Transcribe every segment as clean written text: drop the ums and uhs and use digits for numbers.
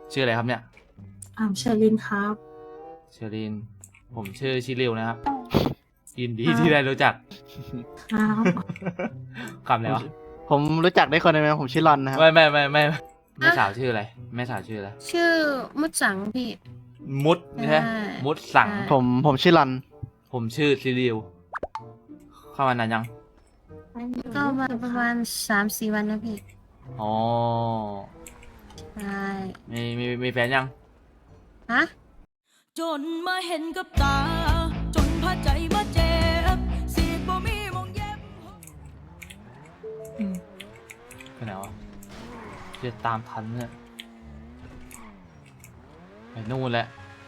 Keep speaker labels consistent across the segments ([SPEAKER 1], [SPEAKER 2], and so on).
[SPEAKER 1] ชื่ออะไรครับเนี่ย
[SPEAKER 2] เชอรินครับ
[SPEAKER 1] เชอรีนผมชื่อชิริวนะครับยินดี
[SPEAKER 2] ครับ
[SPEAKER 1] ที่ได้รู้จัก
[SPEAKER 2] ครับ
[SPEAKER 1] คำอะไรวะ
[SPEAKER 3] ผมรู้จักได้คนหนึงไหมผมชื่อรอนนะครับ
[SPEAKER 1] ไม่สาวชื่ออะไรแม่สาวชื่ออะไร
[SPEAKER 4] ชื่อมุดสังพี่
[SPEAKER 1] มุดใช่ไหม
[SPEAKER 4] ใช่
[SPEAKER 1] มุดสั่ง
[SPEAKER 4] ใช่
[SPEAKER 3] ผมชื่อรอน
[SPEAKER 1] ผมชื่อชิริวเข้ามานานยัง
[SPEAKER 4] ก็มาประมาณ3-4 วันนะพี่
[SPEAKER 1] อ๋อ
[SPEAKER 4] ใช่
[SPEAKER 1] มีแฟนยัง
[SPEAKER 4] ฮะ
[SPEAKER 5] จนมาเห็นกับตา จนพาใจมาเจ็บสีดบ่มีมองเย็บ
[SPEAKER 1] ไปไหนวะจะตามทันเนี่ยไปนู่นแหละ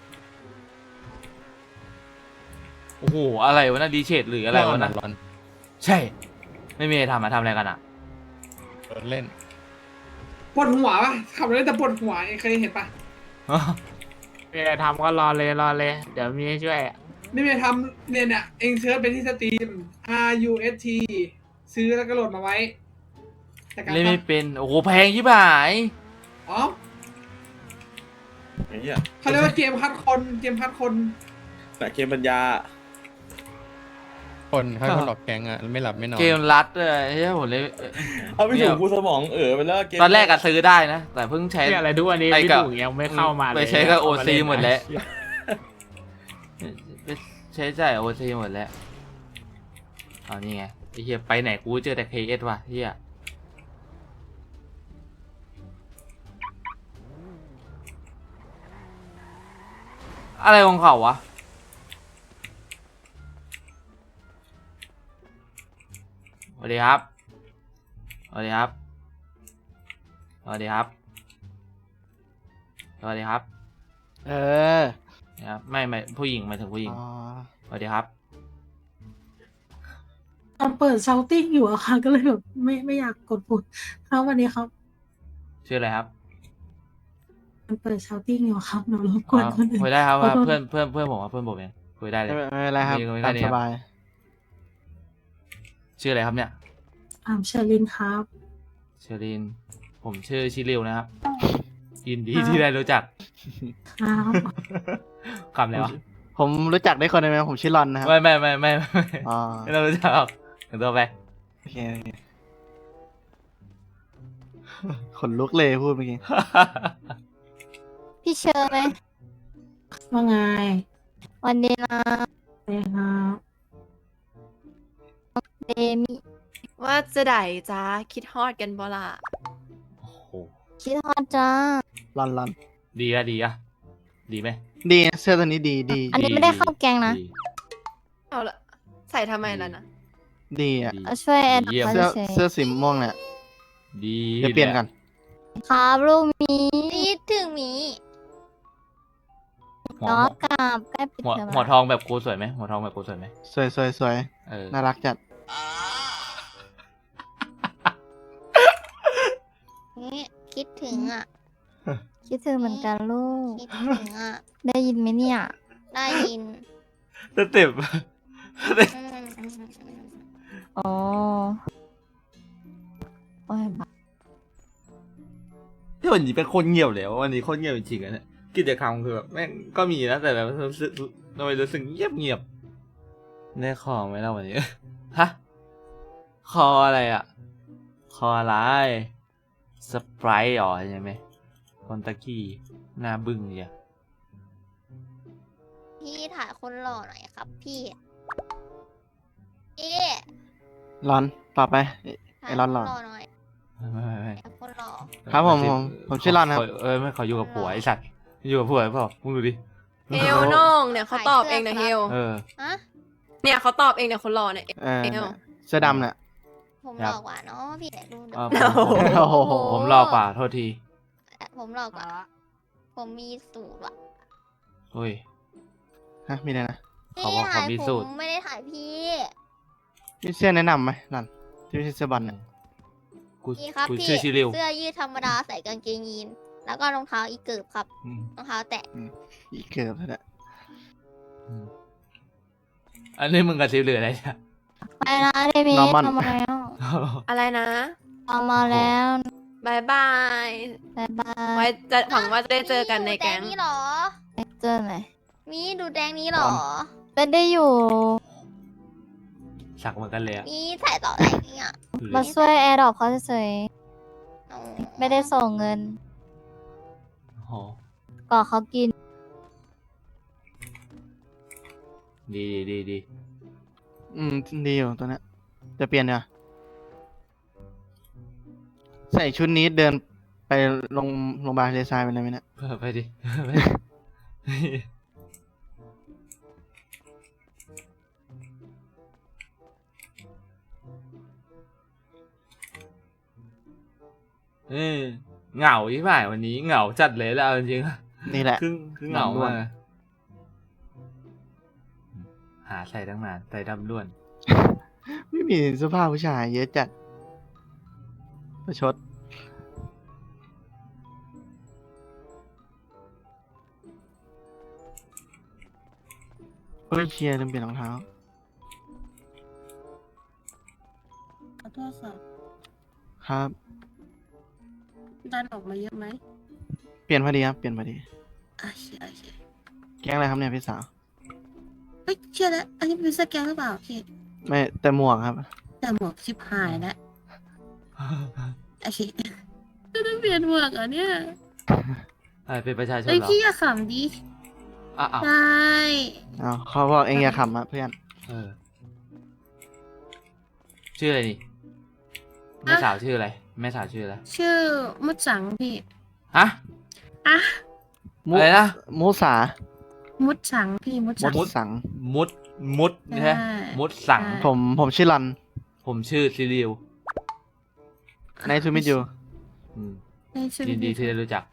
[SPEAKER 1] โอ้โหอะไรวะน่ะดีเชดหรืออะไรวะน่ะ
[SPEAKER 6] ร้อน
[SPEAKER 1] ใช่ ไม่มีอะไรทำทำอะไรกันอ่ะ
[SPEAKER 6] เล่น
[SPEAKER 7] ปวดหัวปะขับรถแต่ปวดหัวเคยเห็นปะ
[SPEAKER 8] มีอะไรทำก็รอเลยรอเลย เดี๋ยวมีให้ช่วยอะ
[SPEAKER 7] นี่ไม่ทำเนี่ยเองเซิร์ชไปที่สตรีม RUST ซื้อแล้วก็โหลดมาไว้แต่การ
[SPEAKER 1] เล่นไม่เป็น โอ้โหแพงชิบหาย
[SPEAKER 7] อ๋อ
[SPEAKER 9] ไอ้เหี้ย
[SPEAKER 7] เขาเรียกว่าเกมพัดคนเกมพัดคน
[SPEAKER 9] แต่เกมปัญญา
[SPEAKER 6] คนให้คนออกแกงอ่ะไม่หลับไม่นอน
[SPEAKER 1] เกมรัดเลยเฮ้ยผมเลย
[SPEAKER 9] เอาไม่ถูกกูสมองไปแล้วเกม
[SPEAKER 1] ตอนแรกก็ซื้อได้นะ แต่เพิ่งใช้
[SPEAKER 8] เนี่ยอะไรทุกวันนี้
[SPEAKER 1] ไอ้
[SPEAKER 8] พี่
[SPEAKER 1] กับ
[SPEAKER 8] ถูกยังไม่เข้ามาเลย
[SPEAKER 1] ไปใช้กับ
[SPEAKER 8] เามา
[SPEAKER 1] OC
[SPEAKER 8] เล่น
[SPEAKER 1] หมดแล้ว
[SPEAKER 8] นะ
[SPEAKER 1] ไปใช้จ่ายโอซีหมดแล้วเอานี่ไงไอ้เหี้ยไปไหนกูเจอแต่ KS ว่ะเหี้ยอะไรของเขาวะสวัสดีครับสวัสดีครับสวัสดีครับสวัสดีครับ
[SPEAKER 3] เออ
[SPEAKER 1] นะครับไม่ผู้หญิงหมายถึงผู้หญิง
[SPEAKER 3] อ๋อ
[SPEAKER 1] สวัสดีครับ
[SPEAKER 2] ตอนเปิดเซาติ้งอยู่อะค่ะ ก็เลยแบบไม่อยากกดปุ่มครับวันนี้ครับ
[SPEAKER 1] ชื่ออะไรครับ
[SPEAKER 2] มันเปิดเซาติ้งอยู่ครับหนูรบกวนคนอื่น
[SPEAKER 1] คุยได้ครับ
[SPEAKER 2] ขอ
[SPEAKER 1] ว่า
[SPEAKER 2] โทษ
[SPEAKER 1] เพื่อนผมว่าเพื่อนผมเองคุยได้เลย
[SPEAKER 3] ไม่เป็นไรครับ
[SPEAKER 1] มี
[SPEAKER 3] ตาม
[SPEAKER 1] มี
[SPEAKER 3] สบาย
[SPEAKER 1] ชื่ออะไรครับเนี่ย
[SPEAKER 2] เชอรินครับ
[SPEAKER 1] เชอรีนผมชื่อชิริวนะครับยินดี
[SPEAKER 2] ครับ
[SPEAKER 1] ที่ได้รู้จัก
[SPEAKER 2] ครับ
[SPEAKER 1] คำอะไรวะ
[SPEAKER 3] ผมรู้จักได้คนหนึงไหมผมชื่อรอนนะครับ
[SPEAKER 1] ไม่
[SPEAKER 3] อ๋อ
[SPEAKER 1] ไม่ต้องรู้จักหรอกถึงตัวไป
[SPEAKER 3] โอเคขนลุกเลยพูดเมื่อกี้
[SPEAKER 10] พี่เชอร์ไหม
[SPEAKER 2] ว่าไง
[SPEAKER 10] วันนี้นะ
[SPEAKER 2] เอ้ครับ
[SPEAKER 10] เดมิ
[SPEAKER 11] ว่าจะได้จ้าคิดฮอดกันบ่ล่ะ
[SPEAKER 1] โอ้โห
[SPEAKER 10] คิดฮอดจ้าร
[SPEAKER 3] อนรอน
[SPEAKER 1] ดีไหม
[SPEAKER 3] ดีเสื้อตัวนี้ดี
[SPEAKER 10] อันนี้ไม่ได้เข้าแกงนะ
[SPEAKER 1] ดี
[SPEAKER 11] เอาละใส่ทำไมล่ะนะ
[SPEAKER 3] ดีอ่ะ
[SPEAKER 1] ดี
[SPEAKER 10] เอาช่วยแอด
[SPEAKER 1] เยี่ยม
[SPEAKER 10] มา
[SPEAKER 3] เสื้อ
[SPEAKER 10] เฉย
[SPEAKER 3] เสื้อสีม่วงเนี่ย
[SPEAKER 1] ดี
[SPEAKER 3] เดี๋ยวเปลี่ยนกัน
[SPEAKER 10] ๆครับลูกหมีคิดถึงหมี
[SPEAKER 1] หัว
[SPEAKER 10] น้องกลับใกล้ปิด
[SPEAKER 1] หัว
[SPEAKER 10] เทอม
[SPEAKER 1] หัวทองแบบกูสวยไหมหัวทองแบบกูสวยไหม
[SPEAKER 3] สวยสวยสวย
[SPEAKER 1] เออ
[SPEAKER 3] น่ารักจัด
[SPEAKER 10] นี่คิดถึงอ่ะ คิดถึงเหมือนกันลูก
[SPEAKER 11] คิดถึงอ่ะ
[SPEAKER 10] ได้ยินไหมเนี่ย
[SPEAKER 11] ได้ยิน
[SPEAKER 1] สเต็ป
[SPEAKER 10] อ๋อโอ้ยบ้า
[SPEAKER 1] ที่วันนี้เป็นคนเงียบเลยวันนี้คนเงียบจริงๆอะเนี่ยกิจกรรมคือแบบแม่งก็มีนะแต่แบบรู้สึกทำไมรู้สึกเงียบได้คอไหมล่ะวันนี้ ฮะคออะไรอ่ะคออะไรสไปร์อ๋อใช่ไหมคนตะกี้หน้าบึ้งเนี่ย
[SPEAKER 11] พี่ถ่ายคนหล่อหน่อยครับพี่พี่
[SPEAKER 3] รอนต่อไป
[SPEAKER 11] ถ่า
[SPEAKER 3] ไอ้
[SPEAKER 11] ย
[SPEAKER 3] ร
[SPEAKER 11] ค
[SPEAKER 3] อน
[SPEAKER 11] น
[SPEAKER 3] รอน
[SPEAKER 11] หล่อหน่อย
[SPEAKER 1] ไม่
[SPEAKER 11] ถ่ายคนหล่อ
[SPEAKER 3] ครับผมชื่อรอนครับ
[SPEAKER 1] ไม่ขออยู่กับผัวไอสัตว์อยู่กับผัวเปล่ามึงดูดิ
[SPEAKER 11] เฮลน้องเนี่ยเขาตอบเองนะเฮล
[SPEAKER 1] เออ
[SPEAKER 11] ฮะเนี่ยเขาตอบเองเนี่ยคนหล่อเนี่ย
[SPEAKER 3] เออ
[SPEAKER 11] เอว
[SPEAKER 3] เสื้อดำเนี่ย
[SPEAKER 11] ผมหล่อกว่าเนาะพี่แต่ดูเดี๋ยว
[SPEAKER 1] โอ้โหผมรอกว่าโทษที
[SPEAKER 11] ผมหล่อกว่าผมมีสูตรว่ะ
[SPEAKER 1] เฮ้ย
[SPEAKER 3] ฮะมีอะไรนะ
[SPEAKER 1] เขาบอกเขามีสูตร
[SPEAKER 11] ผมไม่ได้ถ่ายพี่
[SPEAKER 3] มีเสื้อแนะนำไหมรอนที่ไม่ใช่เสื้อบอลเนี่ย
[SPEAKER 1] กู
[SPEAKER 11] พี่ครับ
[SPEAKER 1] กู
[SPEAKER 11] พี่
[SPEAKER 1] ชื่อชิริว
[SPEAKER 11] เสื้อยืดธรรมดาใส่กางเกงยีนแล้วก็รองเท้าอีเกิบครับ
[SPEAKER 1] อืม
[SPEAKER 11] รองเท้าแตะ
[SPEAKER 3] อีกเกือบแล้วเนี่ย
[SPEAKER 1] อันนี้มึงกับซิลเหลืออะไรเนี่ย
[SPEAKER 10] ไปนะเดมิ
[SPEAKER 3] นอร์มอน
[SPEAKER 10] ทำมาแล้ว
[SPEAKER 11] อะไรนะ
[SPEAKER 10] ทำมาแล้วบายบายบายบาย ไว้จะหวังว่าจะได้เจอกันในแก๊ง
[SPEAKER 11] มีดูดนี้เหรอ
[SPEAKER 10] เจอไหน
[SPEAKER 11] มีดูดแดงนี้เหรอ
[SPEAKER 10] ไม่ได้อยู่
[SPEAKER 1] สักเหมือนกันเลยอะ
[SPEAKER 11] มีใส่ต่อแดงนี้อ่ะ
[SPEAKER 10] มาช่วยแอร์ดรอปเขาเฉย
[SPEAKER 11] อ๋อ
[SPEAKER 10] ๆไม่ได้ส่งเงิน
[SPEAKER 1] โอ้โห
[SPEAKER 10] ก่อเขากิน
[SPEAKER 1] ดีดีดี
[SPEAKER 3] ดีอยู่ตัวเนี้ยจะเปลี่ยนเนี่ยใส่ชุดนี้เดินไปโรงพยาบาลทะเลทรายไปเลยไหมเนี่ย
[SPEAKER 1] ไปดิ เหงาที่ผ่านวันนี้เหงาจัดเลยแล้วเอาจริงๆอะ
[SPEAKER 3] นี่แหละ
[SPEAKER 1] คือเหงามาก
[SPEAKER 3] ดำด้วน
[SPEAKER 1] หาใส่ตั้งนานใส่ดำด้วน
[SPEAKER 3] ไม่มีเสื้อผ้าผู้ชายเยอะจัดประชดเฮ้ยเชียร์ลืมเปลี่ยนรองเท้า
[SPEAKER 4] ขอโทษค่ะ
[SPEAKER 3] ครับ
[SPEAKER 4] ดันออกมาเยอะไหม
[SPEAKER 3] เปลี่ยนพอดีครับเปลี่ยนพอดี
[SPEAKER 4] โอเคโอเค
[SPEAKER 3] แก๊งอะไรครับเนี่ยพี่สาว
[SPEAKER 4] เฮ้ยเชื่อแล้วอันนี้เป็นสแกนหรือเปล่าพี่
[SPEAKER 3] ไม่แต่หมวกครับ
[SPEAKER 4] แต่หมวกชิบหายแล้วโอเคจะต้องเปลี่ยนหมวกเหรอเนี่ย
[SPEAKER 1] เป็นประชาชน
[SPEAKER 4] เอ้ย
[SPEAKER 1] เหรอ
[SPEAKER 4] พี่อย่าขำดิ
[SPEAKER 1] อ้าว
[SPEAKER 4] ได้
[SPEAKER 3] อ้าวเขาบอกเองอย่าขำอะเพื่อน
[SPEAKER 1] ชื่ออะไรนี่แม่สาวชื่ออะไรแม่สาวชื่ออะไร
[SPEAKER 4] ชื่อมุดสังพี่
[SPEAKER 1] ฮะ
[SPEAKER 4] อ่ะ
[SPEAKER 3] มุ
[SPEAKER 1] อะไรนะ
[SPEAKER 3] มุสา
[SPEAKER 4] มุดสังพี่มุดสัง
[SPEAKER 3] มุดสัง
[SPEAKER 1] มุดใช่ไหม
[SPEAKER 4] ใช่
[SPEAKER 1] มุดสั่ง
[SPEAKER 4] ใช่
[SPEAKER 3] ผมชื่อรัน
[SPEAKER 1] ผมชื่อซิริว
[SPEAKER 3] ในทูมิจู
[SPEAKER 1] อืม
[SPEAKER 4] ในชื่อ
[SPEAKER 1] ยินดีที่ได้รู้จัก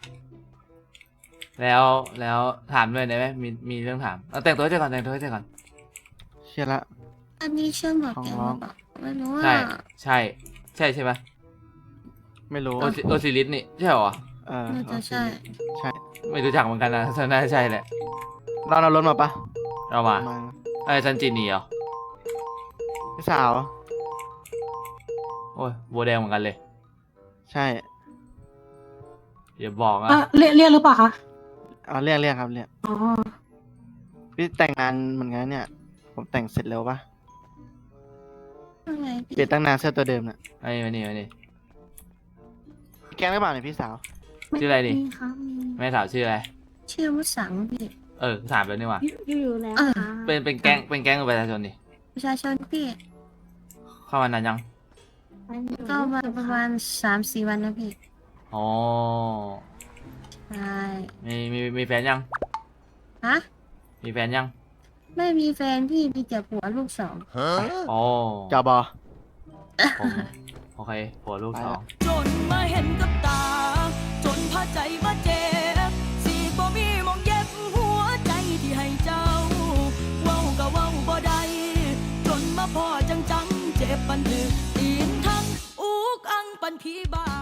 [SPEAKER 1] แล้วถามด้วยได้ไหมมีเรื่องถามเอาแต่งตัวให้เสร็จก่อนแต่งตัวให้เสร็จก่อน
[SPEAKER 3] เชื่อละ
[SPEAKER 4] อันนี้เชื่อหมวกแกงหรือเปล่าไม่รู้อ่ะ
[SPEAKER 1] ใช่ไหม
[SPEAKER 3] ไม่รู้
[SPEAKER 1] โอซิลิสนี่ใช่เหรอ
[SPEAKER 4] น่าจะใช่
[SPEAKER 3] ใช่
[SPEAKER 1] ไม่รู้จักเหมือนกันนะน่าจะใช่แหละ
[SPEAKER 3] เราเอารถมาปะ
[SPEAKER 1] เรามาไอ้ซันจินี่เหรอ
[SPEAKER 3] พี่สาว
[SPEAKER 1] โอ้ยบัวแดงเหมือนกันเลย
[SPEAKER 3] ใช่
[SPEAKER 1] อย่าบอกนะ
[SPEAKER 2] เรียกหรือเปล่าคะ
[SPEAKER 3] เอาเรียกครับเรียก
[SPEAKER 2] อ๋อ
[SPEAKER 3] พี่แต่งงานเหมือนกันเนี่ย ผมแต่งเสร็จเร็วปะ
[SPEAKER 4] อะไรพี่
[SPEAKER 3] เปลี่ยนตั้งนานเสื้อตัวเดิมน่ะ
[SPEAKER 1] ไอ้มานี่
[SPEAKER 3] แกล้งหรือเปล่าเนี่ยพี่สาว
[SPEAKER 1] ชื่ออะไรดิ
[SPEAKER 2] มีค่ะมี
[SPEAKER 1] แม่สาวชื่ออะไร
[SPEAKER 4] ชื่อมุดสังพี่
[SPEAKER 1] ถามแล้วนี่หว่า
[SPEAKER 2] อยู่แล้ว
[SPEAKER 4] เออ
[SPEAKER 2] ค่ะ
[SPEAKER 1] เป็นแก๊งหรือประชาชนดิ
[SPEAKER 4] ประชาชนพี่
[SPEAKER 1] เข้ามานานยัง
[SPEAKER 4] ก็มาประมาณ3-4 วันนะพี่
[SPEAKER 1] อ๋อ
[SPEAKER 4] ใช่
[SPEAKER 1] มีแฟนยัง
[SPEAKER 4] ฮะ
[SPEAKER 1] มีแฟนยัง
[SPEAKER 4] ไม่มีแฟนพี่มีแต่ผัวลูก 2
[SPEAKER 1] อ๋อ
[SPEAKER 3] จอบอ
[SPEAKER 1] ผมโอเคผัวลูกสอง
[SPEAKER 5] จนมาเห็นกับตา จนพาใจมาเจ็บสีบ่มีมองเย็บหัวใจที่ให้เจ้า เว้าก็เว้าบ่ได้จนมาพอจังเจ็บปันถือตีนทั้งอุกอังปันผีบา